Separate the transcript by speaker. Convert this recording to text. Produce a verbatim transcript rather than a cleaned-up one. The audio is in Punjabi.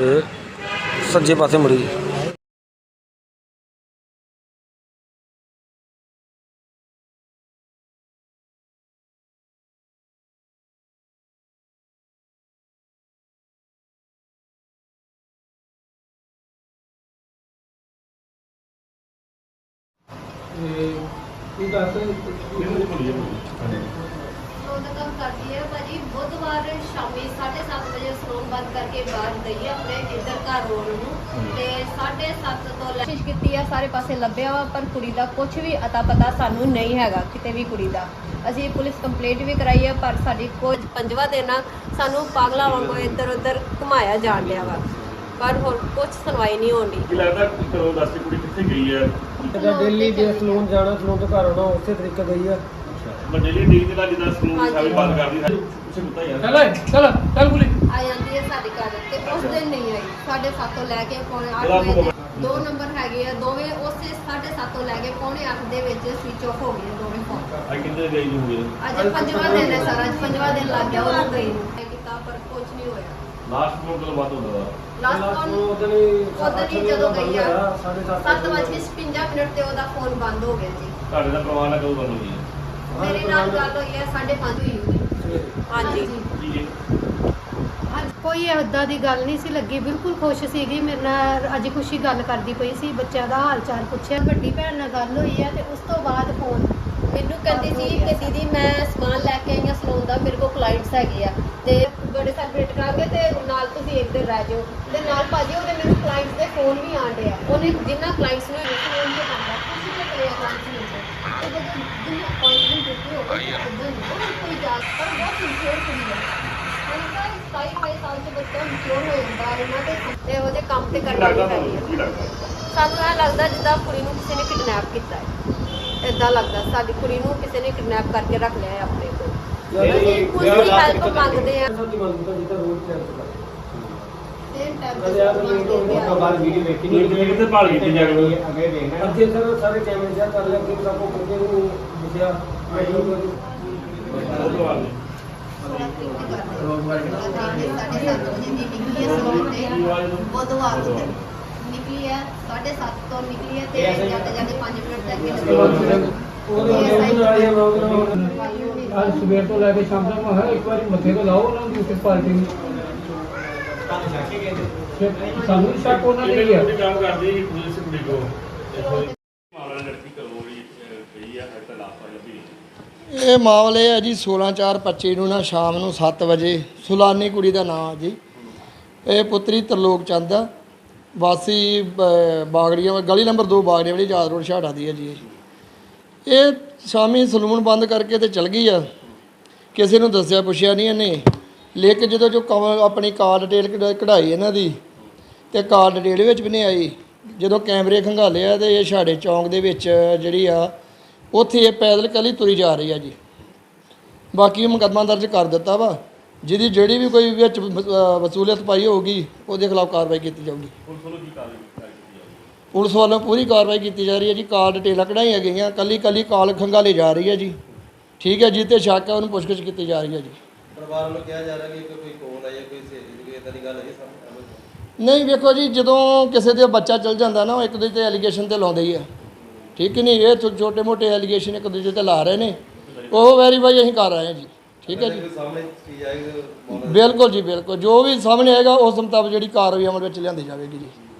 Speaker 1: ਇਹ ਸੱਜੇ ਪਾਸੇ ਮੁੜੀ।
Speaker 2: काम करती है भाजी बुधवार शामी साढ़े सत्त बजे सलून बंद करके बाहर गई है अपने इधर घर रोड ਨੂੰ साढ़े सत्त ਤੋਂ ਕੋਸ਼ਿਸ਼ ਕੀਤੀ ਹੈ ਸਾਰੇ ਪਾਸੇ ਲੱਭਿਆ ਵਾ ਪਰ ਕੁੜੀ ਦਾ ਕੁਝ ਵੀ ਅਤਾ ਪਤਾ ਸਾਨੂੰ ਨਹੀਂ ਹੈਗਾ ਕਿਤੇ ਵੀ ਕੁੜੀ ਦਾ। ਅਸੀਂ ਪੁਲਿਸ ਕੰਪਲੇਂਟ ਵੀ ਕਰਾਈ ਹੈ ਪਰ ਸਾਡੀ ਕੋਈ ਪੰਜਵਾਂ ਦਿਨ ਆ ਸਾਨੂੰ ਪਾਗਲਾਂ ਵਾਂਗੂ ਇੱਧਰ ਉੱਧਰ ਘੁਮਾਇਆ ਜਾਣ ਲਿਆ ਵਾ ਪਰ ਹੋਰ ਕੁਝ ਸੁਣਵਾਈ ਨਹੀਂ ਹੋਣੀ।
Speaker 3: ਕੀ ਲੱਗਦਾ ਕਰੋ ਦੱਸ ਕੁੜੀ ਕਿੱਥੇ ਗਈ ਹੈ?
Speaker 1: ਦਿੱਲੀ ਦੇ ਸਲੂਨ ਜਾਣਾ, ਸਲੂਨ ਤੋਂ ਘਰ ਆਉਣਾ, ਉਸੇ ਤਰੀਕੇ ਗਈ ਆ।
Speaker 3: ਮੰਡਲੀ ਡੀ ਦੇ ਨਾਲ ਜਿੱਦਾਂ ਸਲੂਨ ਸਾਰੇ ਬੰਦ ਕਰਦੀ ਹੈ ਪਿੱਛੇ ਕੁੱਤਾ ਯਾਰ
Speaker 1: ਚੱਲ ਚੱਲ ਚੱਲ ਕੁੜੀ
Speaker 2: ਆ ਜਾਂਦੀ ਹੈ ਸਾਡੀ ਘਰ ਤੇ ਉਸ ਦਿਨ ਨਹੀਂ ਆਈ। ਸਾਢੇ ਸੱਤ ਤੋਂ ਲੈ ਕੇ ਪੌਣੇ ਅੱਠ ਵਜੇ ਦੋ ਨੰਬਰ ਹੈਗੇ ਆ ਦੋਵੇਂ ਉਸੇ ਸਾਢੇ ਸੱਤ ਤੋਂ ਲੈ ਕੇ ਪੌਣੇ ਅੱਠ ਦੇ ਵਿੱਚ ਸਵਿਚ ਆਫ ਹੋ ਗਏ ਦੋਵੇਂ ਫੋਨ।
Speaker 3: ਅੱਜ ਕਿੰਨੇ ਗਈ ਹੋਈ ਹੈ?
Speaker 2: ਅੱਜ ਪੰਜਵਾਂ ਦਿਨ ਹੈ ਸਾਰਾ, ਅੱਜ ਪੰਜਵਾਂ ਦਿਨ ਲੱਗ ਗਿਆ ਉਹਨੂੰ ਗਈ ਨੂੰ ਕੀਤਾ ਪਰ ਕੁਝ ਨਹੀਂ ਹੋਇਆ।
Speaker 3: ਲਾਸਟ ਫੋਨ ਕਦੋਂ ਬਾਤ ਹੁੰਦਾ ਵਾ?
Speaker 2: ਲਾਸਟ ਫੋਨ ਉਦੋਂ ਹੀ ਜਦੋਂ ਗਈ ਆ ਸੱਤ ਵੱਜ ਕੇ ਛਪੰਜਾ ਮਿੰਟ ਤੇ ਉਹਦਾ ਫੋਨ ਬੰਦ ਹੋ ਗਿਆ ਜੀ।
Speaker 3: ਤੁਹਾਡੇ ਦਾ ਪਰਿਵਾਰ ਨਾਲ ਕਦੋਂ ਗੱਲ ਹੋਈ ਹੈ?
Speaker 2: ਮੇਰੇ ਨਾਲ ਗੱਲ ਹੋਈ ਹੈ ਸਾਢੇ ਪੰਜ ਹੋਈ ਹੋਈ। ਹਾਂਜੀ
Speaker 3: ਜੀ ਜੀ
Speaker 4: ਅੱਜ ਕੋਈ ਇਦਾਂ ਦੀ ਗੱਲ ਨਹੀਂ ਸੀ ਲੱਗੀ, ਬਿਲਕੁਲ ਖੁਸ਼ ਸੀਗੀ। ਮੇਰੇ ਨਾਲ ਅੱਜ ਖੁਸ਼ੀ ਗੱਲ ਕਰਦੀ ਪਈ ਸੀ, ਬੱਚਿਆਂ ਦਾ ਹਾਲ ਚਾਲ ਪੁੱਛਿਆ। ਵੱਡੀ ਭੈਣ ਨਾਲ ਗੱਲ ਹੋਈ ਹੈ ਤੇ ਉਸ ਤੋਂ ਬਾਅਦ ਫੋਨ
Speaker 2: ਮੈਨੂੰ ਕਹਿੰਦੀ ਸੀ ਕਿ ਦੀਦੀ ਮੈਂ ਸਮਾਨ ਲੈ ਕੇ ਆਈ ਹਾਂ ਸਲੂਨ ਦਾ, ਮੇਰੇ ਕੋਲ ਕਲਾਇੰਟਸ ਹੈਗੇ ਆ ਤੇ ਬੜੇ ਸੈਲੀਬ੍ਰੇਟ ਕਰਾਂਗੇ ਤੇ ਨਾਲ ਤੁਸੀਂ ਇੱਕ ਦਿਨ ਰਹਿ ਜਾਓ ਤੇ ਨਾਲ ਭਾਜੀ ਉਹਦੇ ਮੈਨੂੰ ਕਲਾਇੰਟਸ ਦੇ ਫੋਨ ਵੀ ਆਣ ਡਿਆ। ਉਹਨੇ ਜਿੰਨਾ ਕਲਾਇੰਟਸ ਨੂੰ ਫੋਨ ਤੇ ਕਰਦਾ ਤੁਸੀਂ ਤੇ ਕਰਿਆ ਕਲਾਇੰਟਸ ਨੂੰ ਤੇ ਜਦੋਂ ਜਿੰਨਾ ਅਪਾਇੰਟਮੈਂਟ ਦਿੱਤੀ ਹੋਵੇ ਉਹ ਕੋਈ ਜਾ ਪਰ ਬਹੁਤ ਸਿੰਸੀਅਰ ਕੁੜੀ ਹੈ। ਉਹਨਾਂ ਦਾ ਸਤਾਈ ਅਠਾਈ ਸਾਲ ਦੇ ਬੱਚਾ ਮਿਚੋਰ ਹੋ ਜਾਂਦਾ ਇਹਨਾਂ ਦੇ ਤੇ ਉਹਦੇ ਕੰਮ ਤੇ ਕਰਨਾ
Speaker 3: ਲੱਗਦਾ
Speaker 2: ਪੈਂਦੀ
Speaker 3: ਤੁਹਾਨੂੰ ਕੀ
Speaker 2: ਹੈ।
Speaker 3: ਲੱਗਦਾ?
Speaker 2: ਸਾਨੂੰ ਇਹ ਲੱਗਦਾ ਜਿੱਦਾਂ ਕੁੜੀ ਨੂੰ ਕਿਸੇ ਨੇ ਕਿਡਨੈਪ ਕੀਤਾ ਹੈ। ਇਦਾਂ ਲੱਗਦਾ ਸਾਡੀ ਕੁੜੀ ਨੂੰ ਕਿਸੇ ਨੇ ਕਿਡਨੈਪ ਕਰਕੇ ਰੱਖ ਲਿਆ ਹੈ ਆਪਣੇ ਕੋਲ। ਅਸੀਂ ਕੁਝ ਦੀ ਹੈਲਪ ਮੰਗਦੇ ਆ।
Speaker 1: ਸਾਡੀ ਮੰਗ ਤਾਂ ਜਿੱਦਾਂ ਰੋਡ ਤੇ ਚੱਲਦਾ
Speaker 2: ਸੇਮ ਟਾਈਮ
Speaker 1: ਅਰੇ ਯਾਰ ਉਹ ਤੋਂ ਬਾਅਦ ਵੀਡੀਓ ਵੇਖੀ
Speaker 3: ਨਹੀਂ ਕਿਤੇ ਕਿਤੇ ਭਾਲ ਕੀਤੀ ਜਾ ਰਹੀ ਹੈ?
Speaker 1: ਅੱਗੇ ਵੇਖਣਾ ਅੱਗੇ ਸਰ ਸਾਰੇ ਕੈਮਰੇ ਚੈੱਕ ਕਰ ਲਿਆ ਕਿ ਸਭ ਕੋ ਕਿਤੇ ਨੂੰ ਦਿਖਿਆ ਵੀਡੀਓ
Speaker 3: ਉਹ ਤੋਂ ਬਾਅਦ
Speaker 2: बुधवार निकली है साढ़े सात तो निकली है ते जाते जाते पाँच मिनट तक
Speaker 1: ਅੱਜ ਸਵੇਰ ਤੋਂ ਲੈ ਕੇ ਸ਼ਾਮ ਤੱਕ ਮੈਂ ਇੱਕ ਵਾਰੀ ਮੱਥੇ ਤੋਂ ਲਾਓ ਉਹਨਾਂ ਦੀ ਉਸ ਪਾਰਟੀ ਨੂੰ ਸਾਨੂੰ ਸ਼ੱਕ ਉਹਨਾਂ ਨੇ
Speaker 3: ਕਿਹਨੇ
Speaker 1: ਕੀਤਾ।
Speaker 3: ਕੰਮ ਕਰਦੀ ਹੈ ਪੁਲਿਸ ਕੁੜੀ ਕੋ ਮਾਮਲਾ ਲੜਕੀ ਕਰੋ ਗਈ ਹੈ ਹਰ ਤਾਂ ਲਾਪਤਾ ਲੱਭੀ ਨਹੀਂ।
Speaker 5: ਇਹ ਮਾਮਲੇ ਹੈ ਜੀ ਸੋਲਾਂ ਚਾਰ ਪੱਚੀ ਨੂੰ ਨਾ ਸ਼ਾਮ ਨੂੰ ਸੱਤ ਵਜੇ ਸੁਲਾਨੀ ਕੁੜੀ ਦਾ ਨਾਮ ਜੀ। ਇਹ ਪੁੱਤਰੀ ਤਰਲੋਕ ਚੰਦ ਆ, ਵਾਸੀ ਬ- ਬਾਗੜੀਆਂ ਗਲੀ ਨੰਬਰ ਦੋ ਬਾਗੜੀਆਂ ਵਾਲੀ ਯਾਦ ਰੋਡ ਛਾੜਾ ਦੀ ਹੈ ਜੀ। ਇਹ ਸ਼ਾਮੀ ਸਲੂਨ ਬੰਦ ਕਰਕੇ ਤੇ ਚਲ ਗਈ ਆ, ਕਿਸੇ ਨੂੰ ਦੱਸਿਆ ਪੁੱਛਿਆ ਨਹੀਂ ਇਹਨੇ। ਲੇਕਿਨ ਜਦੋਂ ਜੋ ਕਵ- ਆਪਣੀ ਕਾਰ ਡਿਟੇਲ ਕਢ- ਕਢਾਈ ਇਹਨਾਂ ਦੀ ਤੇ ਕਾਰ ਡਿਟੇਲ ਵਿੱਚ ਵੀ ਨਹੀਂ ਆਈ। ਜਦੋਂ ਕੈਮਰੇ ਖੰਗਾਲੇ ਆ ਤੇ ਇਹ ਛਾੜੇ ਚੌਂਕ ਦੇ ਵਿੱਚ ਜਿਹੜੀ ਆ ਉੱਥੇ ਇਹ ਪੈਦਲ ਕੱਲੀ ਤੁਰੀ ਜਾ ਰਹੀ ਆ ਜੀ। ਬਾਕੀ ਮੁਕੱਦਮਾ ਦਰਜ ਕਰ ਦਿੱਤਾ ਵਾ, ਜਿਹਦੀ ਜਿਹੜੀ ਵੀ ਕੋਈ ਵਿੱਚ ਵ- ਵਸੂਲੀਅਤ ਪਾਈ ਹੋਊਗੀ ਉਹਦੇ ਖਿਲਾਫ ਕਾਰਵਾਈ ਕੀਤੀ ਜਾਊਗੀ।
Speaker 3: ਪੁਲਿਸ ਵੱਲੋਂ ਕੀ ਕਾਰਵਾਈ ਕੀਤੀ ਜਾਊਗੀ?
Speaker 5: ਪੁਲਿਸ ਵੱਲੋਂ ਪੂਰੀ ਕਾਰਵਾਈ ਕੀਤੀ ਜਾ ਰਹੀ ਹੈ ਜੀ। ਕਾਲ ਡਿਟੇਲਾਂ ਕਢਾਈਆਂ ਗਈਆਂ, ਕੱਲੀ ਕੱਲੀ ਕਾਲ ਖੰਗਾਲੀ ਜਾ ਰਹੀ ਹੈ ਜੀ। ਠੀਕ ਹੈ ਜੀ, ਤੇ ਸ਼ੱਕ ਹੈ ਉਹਨੂੰ ਪੁੱਛਗਿੱਛ ਕੀਤੀ ਜਾ ਰਹੀ ਹੈ ਜੀ।
Speaker 6: ਪਰਿਵਾਰ ਵੱਲੋਂ ਕਿਹਾ ਜਾ ਰਿਹਾ ਕਿ ਕੋਈ ਕੋਲ ਆਇਆ ਕੋਈ ਸਹੇਲੀ ਦੀ ਕੋਈ ਇਦਾਂ ਦੀ ਗੱਲ ਹੈ ਸਾਹਮਣੇ?
Speaker 5: ਨਹੀਂ ਵੇਖੋ ਜੀ, ਜਦੋਂ ਕਿਸੇ ਦੇ ਬੱਚਾ ਚਲ ਜਾਂਦਾ ਨਾ ਉਹ ਇੱਕ ਦੂਜੇ ਤੇ ਐਲੀਗੇਸ਼ਨ ਤੇ ਲਾਉਂਦੇ ਹੀ ਆ। ਠੀਕ ਨਹੀਂ, ਇਹ ਛੋਟੇ ਮੋਟੇ ਐਲੀਗੇਸ਼ਨ ਇੱਕ ਦੂਜੇ ਤੇ ਲਾ ਰਹੇ ਨੇ, ਉਹ ਵੈਰੀਫਾਈ ਅਸੀਂ ਕਰ ਰਹੇ ਹਾਂ ਜੀ। ਠੀਕ ਹੈ ਜੀ,
Speaker 6: ਸਾਹਮਣੇ ਚੀਜ਼ ਆਏਗੀ
Speaker 5: ਬਿਲਕੁਲ ਜੀ ਬਿਲਕੁਲ, ਜੋ ਵੀ ਸਾਹਮਣੇ ਆਏਗਾ ਉਸ ਮੁਤਾਬਕ ਜਿਹੜੀ ਕਾਰਵਾਈ ਅਮਲ ਵਿੱਚ ਲਿਆਂਦੀ ਜਾਵੇਗੀ ਜੀ।